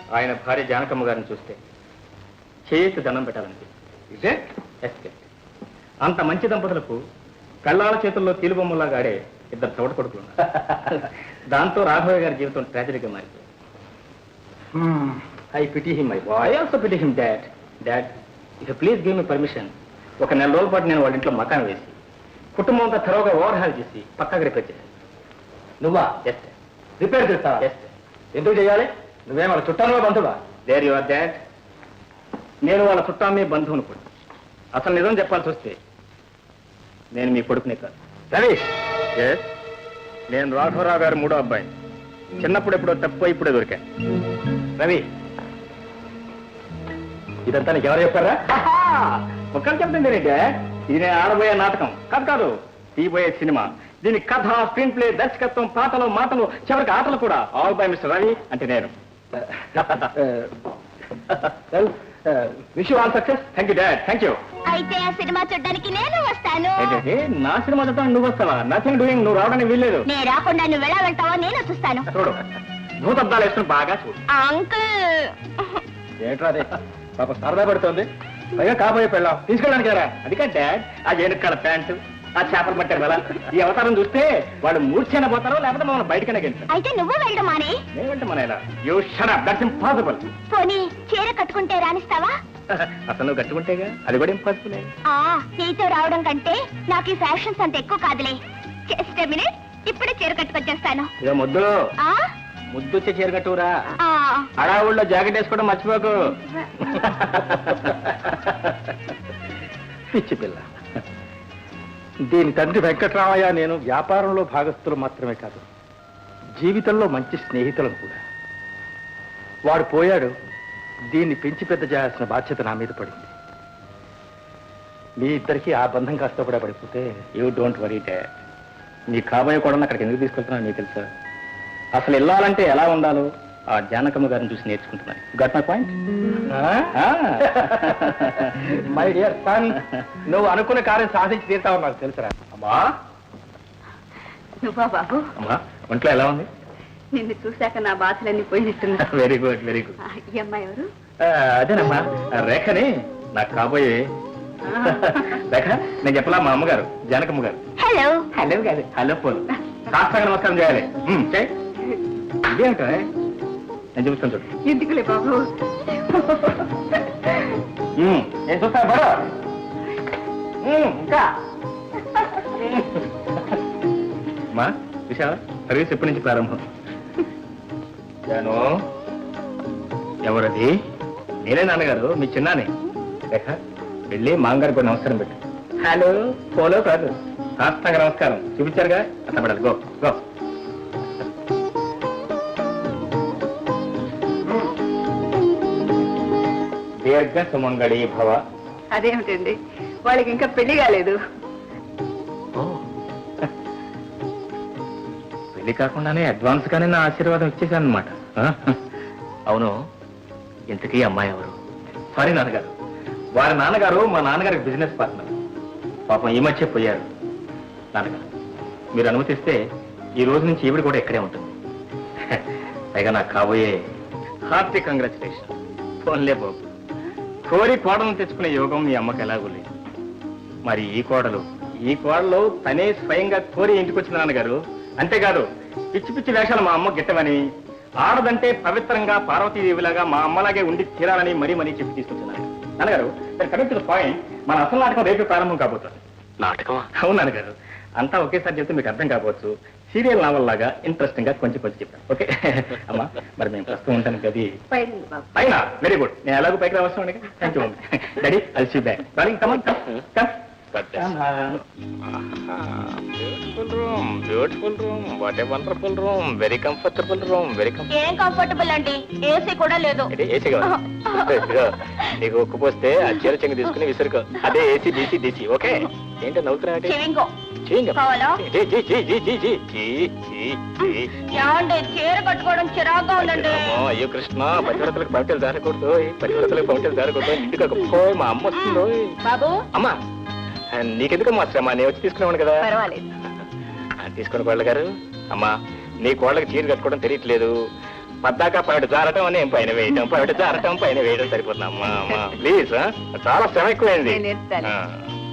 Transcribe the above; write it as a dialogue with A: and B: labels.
A: ఆయన భార్య జానకమ్మ గారిని చూస్తే చేతి దండం పెట్టాలంటే ఇదే అంత మంచి దంపతులకు కళ్ళాల చేతుల్లో తీలుబొమ్మలాగా ఆడే ఇద్దరు చోట కొడుకులు ఉన్నారు. దాంతో రాఘవయ్య గారి జీవితం ట్రాజడీగా మారిపోయింది. I pity him my boy, I also pity him dad. Dad, if please give me permission, ఒక నెల రోజుల పాటు నేను వాళ్ళ ఇంట్లో మకాన్ వేసి కుటుంబం అంతా త్వరగా ఓవర్హాల్ చేసి పక్కాగా రిపేర్ చేశాను.
B: నువ్వా?
A: ఎస్
B: రిపేర్ చేస్తావా?
A: ఎస్.
B: ఎందుకు చేయాలి? నువ్వేం వాళ్ళ చుట్టాలో బంధువా?
A: There you are dad. నేను వాళ్ళ చుట్టామే బంధువును కూడా. అసలు నిజం చెప్పాల్సి వస్తే నేను మీ కొడుకునే కాదు.
B: రవి,
A: ఎస్, నేను రాఘవరావు గారు మూడో అబ్బాయి. చిన్నప్పుడు ఎప్పుడో తప్పు ఇప్పుడే దొరికా.
B: రవి, ఇదంతా నీకు ఎవరు చెప్పారా?
A: ఒక్కరు చెప్తుంది డాడ్, ఇది నేను ఆడబోయే నాటకం కాదు, తీయబోయే సినిమా. దీని కథ, స్క్రీన్ ప్లే, దర్శకత్వం, పాటలు, మాటలు, చివరికి ఆటలు కూడా ఆల్ బై మిస్టర్ రవి అంటే నేను.
B: Wish you all success.
A: Thank you dad, thank you.
C: అయితే ఆ సినిమా చూడడానికి నేను వస్తాను.
A: ఏంటంటే నా సినిమా చూడటానికి నువ్వు వస్తావా? Nothing doing. నువ్వు రావడానికి వీల్లేదు.
C: నేను రాకుండా నువ్వు ఎలా వెళ్తావో నేను చూస్తాను.
A: చూడు, భూతద్దాలు వేసుకుని బాగా చూడు.
C: అంకుల్,
B: ఏంట్రా అదే? పాప సరదా పడుతోంది, పైగా కాబోయే పెళ్ళాం తీసుకెళ్ళడానికి రా.
A: అది కాదు డాడ్, ఆ ఏనుక్కల ప్యాంటు, ఆ చేపలు పట్టారు కదా, ఈ అవతారం చూస్తే వాళ్ళు మూర్ఛైనా పోతారో లేకపోతే మమ్మల్ని బయటకనే గెలుస్తారు.
C: అయితే నువ్వు వెళ్ళడం మానే.
A: నేనంటే మన ఇలా you shut up, that's impossible.
C: పోనీ చీర కట్టుకుంటే రానిస్తావా?
A: అసలు నువ్వు కట్టుకుంటేగా, అది కూడా ఇంపాసిబుల్.
C: నీతో రావడం కంటే నాకు ఈ ఫ్యాషన్స్ అంత ఎక్కువ కాదులే. జస్ట్ ఎ మినిట్, ఇప్పుడే చీర కట్టుకొచ్చేస్తాను.
A: ఇక ముద్దులో ముద్దొచ్చే చీర కట్టురా. అడావుల్లో జాకెట్ వేసుకోవడం మర్చిపోకు.
B: పిచ్చి పిల్ల. దీని తండ్రి వెంకట్రామయ్య నేను వ్యాపారంలో భాగస్థులు మాత్రమే కాదు, జీవితంలో మంచి స్నేహితులను కూడా. వాడు పోయాడు, దీన్ని పెంచి పెద్ద చేయాల్సిన బాధ్యత నా మీద పడింది. మీ ఇద్దరికి ఆ బంధం కాస్త కూడా పడిపోతే.
A: You don't worry dad. నీ కాబోయే కూడా అక్కడికి ఎందుకు తీసుకెళ్తున్నా నీకు తెలుసా? అసలు వెళ్ళాలంటే ఎలా ఉండాలో ఆ జానకమ్మ గారిని చూసి నేర్చుకుంటున్నాను. Got my point?
B: My dear son, నువ్వు అనుకున్న కార్యం సాధించి తీరుతావు నాకు తెలుసురా.
A: అమ్మా,
C: నువ్వా బాబు?
A: అమ్మా, ఒంట్లో ఎలా ఉంది?
C: నిన్ను చూశాక నా బాధలన్నీ పోయినట్టున్నా.
A: Very good, very good.
C: ఈ అమ్మాయి ఎవరు?
A: అదేనమ్మా, రేఖని నాకు కాబోయే. రేఖ, నేను చెప్పలా మా అమ్మగారు జానకమ్మ గారు.
C: హలో.
A: హలో కాదు, హలో పోలు. సాష్టాంగ నమస్కారం చేయాలి. ఇదేమిటో నేను చూపిస్తాను చూడు.
C: ఎందుకులే బాబు.
A: నేను చూస్తాను బరో. ఇంకా మా విశాల సర్వీస్ ఎప్పటి నుంచి ప్రారంభం? జాను, ఎవరది? నేనే నాన్నగారు, మీ చిన్నానే. రేఖ, వెళ్ళి మామగారికి కూడా నమస్కారం పెట్టు. హలో పోలో కాదు, సాష్టాంగ నమస్కారం చూపించారుగా, అట్లా పడాలి. Go go. దీర్ఘ సుమంగళి భవ.
C: అదేమిటండి, వాళ్ళకి ఇంకా పెళ్లి కాలేదు.
A: పెళ్లి కాకుండానే అడ్వాన్స్ గానే నా ఆశీర్వాదం ఇచ్చేసాను అనమాట. అవును, ఇంతకీ అమ్మాయి ఎవరు? సారీ నాన్నగారు, వారి నాన్నగారు మా నాన్నగారికి బిజినెస్ పార్ట్నర్. పాపం ఈ మధ్య పోయారు. నాన్నగారు, మీరు అనుమతిస్తే ఈ రోజు నుంచి ఈవిడ కూడా ఇక్కడే ఉంటుంది. పైగా నాకు కాబోయే హార్టీ కంగ్రాచులేషన్. ఫోన్లే బాబు, కోరి కోడలను తెచ్చుకునే యోగం మీ అమ్మకి ఎలాగూ లేదు. మరి ఈ కోడలు తనే స్వయంగా కోరి ఇంటికి వచ్చిన నాన్నగారు. అంతేకాదు, పిచ్చి పిచ్చి వేషాలు మా అమ్మ గిట్టమని, ఆడదంటే పవిత్రంగా పార్వతీదేవిలాగా మా అమ్మలాగే ఉండి తీరాలని మరీ చెప్పి తీసుకొచ్చున్నాను. నాన్నగారు, కమింగ్ టు ద పాయింట్, మన అసలు నాటకం రేపు ప్రారంభం కాబోతుంది.
B: నాటకం?
A: అవును నాన్నగారు, అంతా ఒకేసారి చెప్తే మీకు అర్థం కాకపోవచ్చు. సీరియల్ నావల్ లాగా ఇంట్రెస్టింగ్ గా కొంచెం చెప్పాను. ఓకే అమ్మా, మరి మేము ప్రస్తుతం ఉంటాను గది పైన. వెరీ గుడ్, నేను ఎలాగో పైకి రావస్తాను. Thank you daddy, I'll see back. Darling, come on, come. Beautiful room, beautiful room, what a wonderful room. Very comfortable room, very
C: ఏం కంఫర్టబుల్ అండి, ఏసీ కూడా లేదు.
A: ఏసీ కాదు, నీకు ఉక్కుపోస్తే ఆ చీర చెంగు తీసుకుని విసురుకో. అదే ఏసీ డీసీ డీసీ. ఓకే, ఏంటో నవ్వుతున్నా?
C: చీర కట్టుకోవడం చిరాగ్గా ఉందండి.
A: అయ్యో కృష్ణ, పతివ్రతలకు పంటలు జారకూడదు, పతివ్రతలకు పంటలు జారకూడదు. ఇంటికి మా అమ్మ వస్తుందో.
C: బాబు,
A: అమ్మా నీకెందుకు మా శ్రమ, నేను వచ్చి తీసుకునేవాడు కదా.
C: పర్వాలేదు,
A: తీసుకుని కోళ్ళ గారు. అమ్మా, నీ కోళ్ళకి చీర కట్టుకోవడం తెలియట్లేదు. పద్దాక పైట జారటం నేను పైన వేయటం పైట జారటం పైన వేయడం సరిపోతుంది అమ్మా అమ్మా ప్లీజ్ చాలా శ్రమ ఎక్కువైంది
D: నేను ఎత్తాను.
A: ఆ.